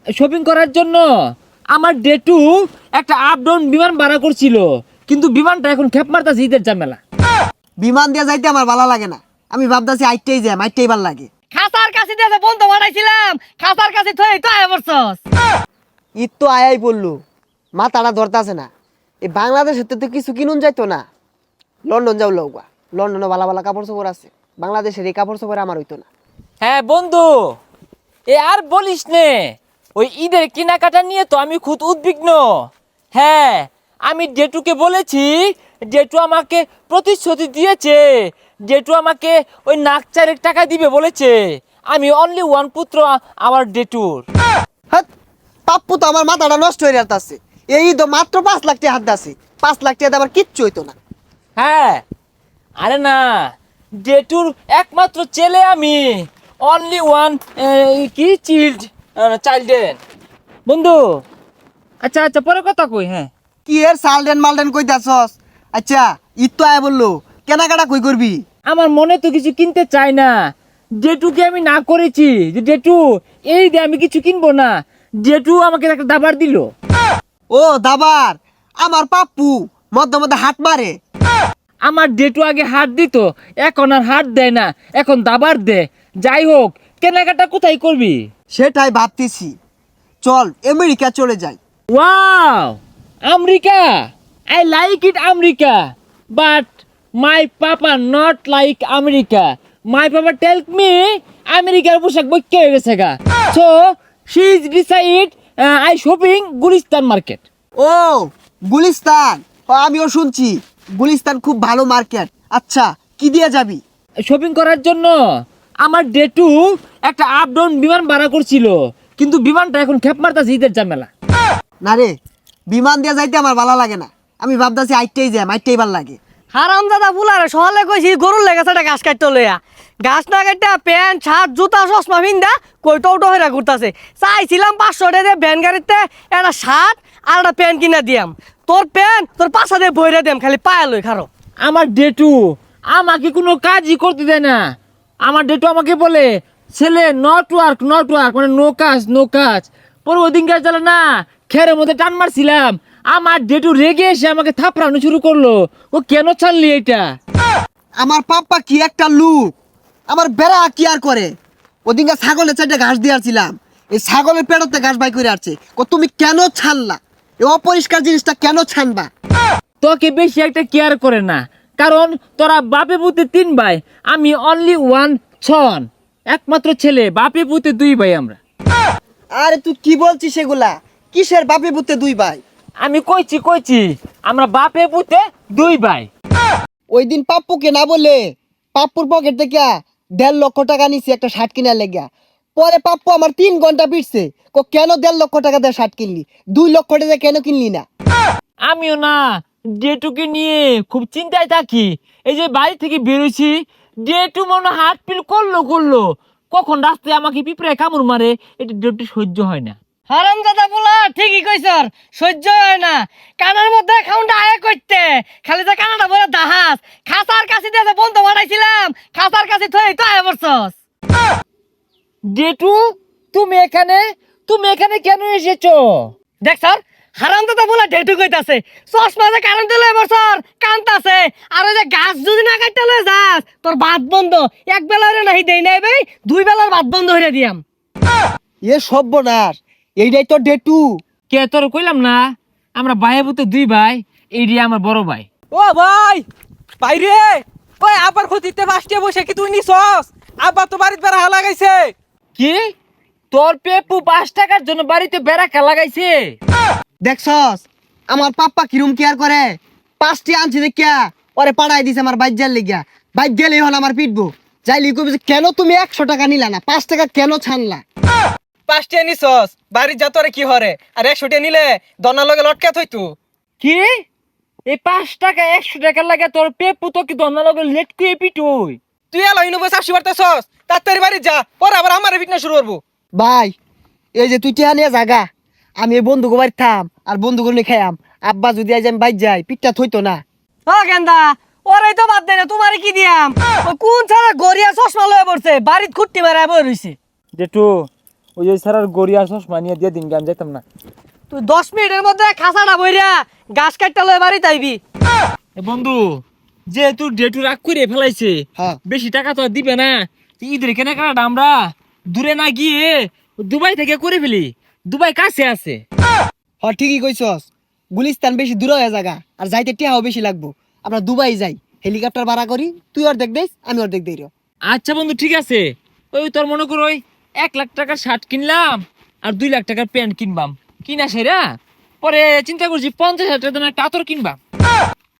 Shopping করার জন্য আমার ডেটু একটা আপ ডাউন বিমান ভাড়া করছিল, কিন্তু বিমানটা এখন খেপ মারতাছে ঈদের ঝামেলা। বিমান দিয়ে যাইতে আমার ভালো লাগে না, আমি ভাবতাছি আইটেই যাই, আইটেই ভালো লাগে। খাসার কাছে দিয়ে বন্ধ বানাইছিলাম, খাসার কাছে থই তো আয় বলছস। ঈদ তো আয়াই বললো, মাথাটা ধরতাছে না। এই বাংলাদেশের তো কিছু কিনুন যাইতো না, লন্ডন যাও লৌকা, লন্ডনে ভালো ভালো কাপড় চোপড় আছে, বাংলাদেশের এই কাপড় চোপড় আমার হইতো না। হ্যাঁ বন্ধু, এ আর বলিস নে, ওই ঈদের কেনাকাটা নিয়ে তো আমি খুব উদ্বিগ্ন। হ্যাঁ, আমি ডেটুকে বলেছি, ডেটু আমাকে প্রতিশ্রুতি দিয়েছে, ডেটু আমাকে ওই নাক চারেক টাকা দিবে বলেছে। আমি অনলি ওয়ান পুত্র আমার ডেটুর। হ্যাঁ, পাপ্পু তো আমার মাথাটা নষ্ট হয়ে যাচ্ছে। এই তো মাত্র 5 লাখ টাকা হাত দাসি, 5 লাখ টাকা আমার কিচ্ছু হইতো না। হ্যাঁ, আরে না, ডেটুর একমাত্র ছেলে আমি, অনলি ওয়ান কি চাইল্ডেন বন্ধু। আচ্ছা আচ্ছা, পরে কথা কই। হ্যাঁ, কি এর সালডেন মালডেন কইতাছস? আচ্ছা, ঈদ তো আয় বললো, কেনাকাটা কই করবি? আমার মনে তো কিছু কিনতে চাই না। ডেটুকে আমি না করেছি যে ডেটু এই দে, আমি কিছু কিনবো না। ডেটু আমাকে একটা দাবার দিল। ও দাবার, আমার পাপ্পু মধ্যে মধ্যে হাত মারে। আমার ডেটু আগে হাত দিত, এখন আর হাত দেয় না, এখন দাবার দে। যাই হোক, কেনাকাটা কোথায় করবি? সেটাই ভাবতেছি, চল আমেরিকা চলে যাই। Wow, America! I like it America, but my papa not like America. My papa tell me আমেরিকার পোশাক বৈক্য হয়ে গেছে গা। So she is decide I shopping Gulistan market. ও গুলিস্তান, ও, আমিও শুনছি গুলিস্তান খুব ভালো মার্কেট। আচ্ছা, কি দিয়ে যাবি? শপিং করার জন্য আমার ডেটু একটা আপ ডাউন বিমান ভাড়া করছিল, কিন্তু বিমানটা এখন খেপ মারতাছে ঈদের ঝামেলা। না রে, বিমান দিয়ে যাইতে আমার ভালো লাগে না, আমি ভাবতাছি আইটেই যাই, আইটেই ভালো লাগে। হারামজাদা বুলারে সহলে কইছি গরুর লেগেছে একটা ঘাস কাটতে লইয়া, ঘাস না কাটতে প্যান্ট শার্ট জুতা চশমা ভিন্দা কইটো উটো হইরা ঘুরতাছে। চাইছিলাম 500 টাকা দিয়ে ভ্যান গাড়িতে একটা শার্ট আর একটা প্যান্ট কিনা দিয়াম, তোর প্যান্ট তোর পাশা দিয়ে বইরা দিয়াম, খালি পায়া লই খারো। আমার ডেটু আমাকে কোনো কাজই করতে দেয় না। আমার ডেটু আমাকে বলে, ছেলে নট ওয়ার্ক মানে নো কাজ নো কাজ। পরে ওই দিনকার চলে না, খেরের মধ্যে টান মারছিলাম, আমার ডেটু রেগে এসে আমাকে থাপড়ানো শুরু করলো। ও কেন ছাড়লি এটা? আমার পাপ্পা কি একটা লুক, আমার বেড়া কি আর করে। ওদিনকে ছাগলের চারটে ঘাস দিয়েছিলাম, এই ছাগলের পেটতে ঘাস বাই করে আসছে। তুমি কেন ছাড়লা? এই অপরিষ্কার জিনিসটা কেন ছানবা? তোকে বেশি একটা কেয়ার করে না, কারণ তোরা বাপে পুতে 3 ভাই, আমি অনলি ওয়ান সন, একমাত্র ছেলে। বাপে পুতে 2 ভাই আমরা। আরে তুই কি বলছিস সেগুলা? কিসের বাপে পুতে 2 ভাই? আমি কইছি আমরা বাপে পুতে 2 ভাই। ওই দিন পাপ্পুকে না বলে পাপ্পুর পকেট থেকে 1.5 লক্ষ টাকা নিছি একটা শার্ট কিনার লেগা। পরে পাপ্পু আমার 3 ঘন্টা পিটছে, কেন 1.5 লক্ষ টাকা দিয়ে শার্ট কিনলি, 2 লক্ষ টাকা কেন কিনলি না? আমিও না ডেটুকে নিয়ে খুব চিন্তায় থাকি। এই যে বাড়ি থেকে বেরোছি, ডেটু মনে হাত পিল করলো, কখন রাস্তায় আমাকে পিঁপড়ে কামড় মারে, এটা ডেটু সহ্য হয় না। হারামজাদা বুলা ঠিকই কইছর, সহ্য হয় না। কানের মধ্যে খাউন্ডা আয় করতে, খালি যে কানাডা বলে দাহাস। খাসার কাছে দিয়ে বন্ধ বানাইছিলাম, খাসার কাছে থই তো আয় বলছস। ডেটু, তুমি এখানে কেন এসেছো? দেখ স্যার, হারামজাদা বুলা ডেটু কইতাছে চশমা যে কারেন্ট লয়ে বছর কান্তাছে, আর ওই যে গাছ যদি না কাটতে লয়ে যাস তোর ভাত বন্ধ। এক বেলার নাহি দেই নাই ভাই, 2 বেলার ভাত বন্ধ হইরা দিয়াম। এ সর্বনাশ, এইটাই তো ডেটু। কে তোর কইলাম না আমরা ভাইয়ে পুতে 2 ভাই, এইটি আমার বড় ভাই। ও ভাই, বাইরে ওই আবার ক্ষতিতে পাঁচটা বসে কি তুই নিছস? আবার তো বাড়িতে বেড়া লাগাইছে। কি তোর পেপু 5 টাকার জন্য বাড়িতে বেড়া লাগাইছে? দেখছস আমার পাপ্পা কিরম কেয়ার করে। 5টি আনছি দেখিয়া ওরে পাড়াই দিছে আমার বাইজার লেগিয়া। বাইক গেলেই হল আমার পিটবো। যাইলি কবি যে, কেন তুমি 100 টাকা নিলা না, 5 টাকা কেন ছানলা? পাঁচটা নিছস, বাড়ির যা তোরে কি হরে? আর 100 টা নিলে দনার লগে লটকা থইতু। কি এই 5 টাকা 100 টাকা লাগে তোর পেপু তো কি দন্না লগে লেট কুয়ে পিটুই? তুই এলো ইউনিভার্স আসি পারতেছস, তাড়াতাড়ি বাড়ি যা, পরে আবার আমার ফিটনেস শুরু করবো। ভাই, এই যে তুই টিহা নিয়ে জাগা, আমি এই বন্ধুকে বাড়ি থাম আর বন্ধুকে নিয়ে খাইয়াম। আব্বা যদি আজ আমি বাইর যাই, পিঠটা থইতো না। ও গেন্দা, ওরাই তো বাদ দেয় না, তোমারে কি দিয়াম? ও কোন ছাড়া গড়িয়া চশমা লয়ে পড়ছে, বাড়িত খুঁট্টি মারা বই রইছে। জেঠু, ওই ওই স্যার আর গড়িয়া চশমা নিয়ে দিয়ে দিন আমি যাইতাম না। তুই 10 মিনিটের মধ্যে খাসাটা বইরা গাছ কাটতে লয়ে বাড়ি তাইবি। এ বন্ধু যেহেতু ডেটু রাগ করে ফেলাইছে, হ্যাঁ। বেশি টাকা তো আর দিবে না, তো ঈদের কেনাকাটা আমরা দূরে না গিয়ে দুবাই থেকে করে ফেলি, দুবাই কাছে আছে। ঠিকই কইছস, গুলিস্তান বেশি দূর হয়ে জায়গা আর যাইতে টিয়াও বেশি লাগবো। আমরা দুবাই যাই, হেলিকপ্টার ভাড়া করি, তুই অর্ধেক দেস আমি অর্ধেক দেই রে। আচ্ছা বন্ধু ঠিক আছে, ওই তোর মনে করো ওই 1 লাখ টাকার শার্ট কিনলাম আর 2 লাখ টাকার প্যান্ট কিনবাম, কিনা সেরা পরে চিন্তা করছি 50,000 টাকা দামের একটা আতর কিনবাম।